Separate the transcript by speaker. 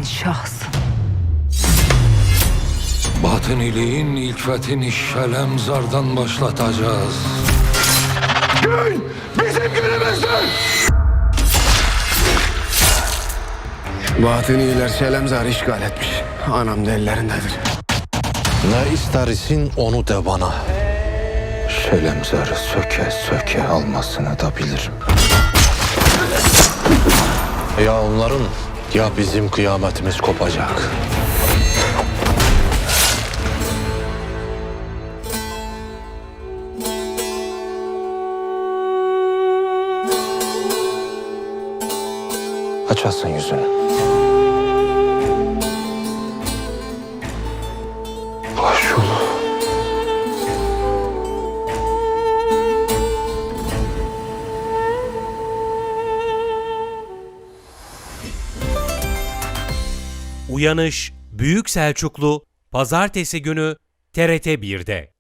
Speaker 1: şahsın.
Speaker 2: Batıniliğin ilk fethini Şelemzar'dan başlatacağız. Gün bizim günümüzdür!
Speaker 3: Batıniler Şelemzar'ı işgal etmiş. Anam da ellerindedir.
Speaker 4: Ne istersin onu de bana.
Speaker 2: Şelemzar'ı söke söke almasını da bilirim.
Speaker 4: Ya onların ya bizim kıyametimiz kopacak.
Speaker 2: Açasın yüzünü. Baş yolu.
Speaker 5: Uyanış Büyük Selçuklu Pazartesi günü TRT 1'de.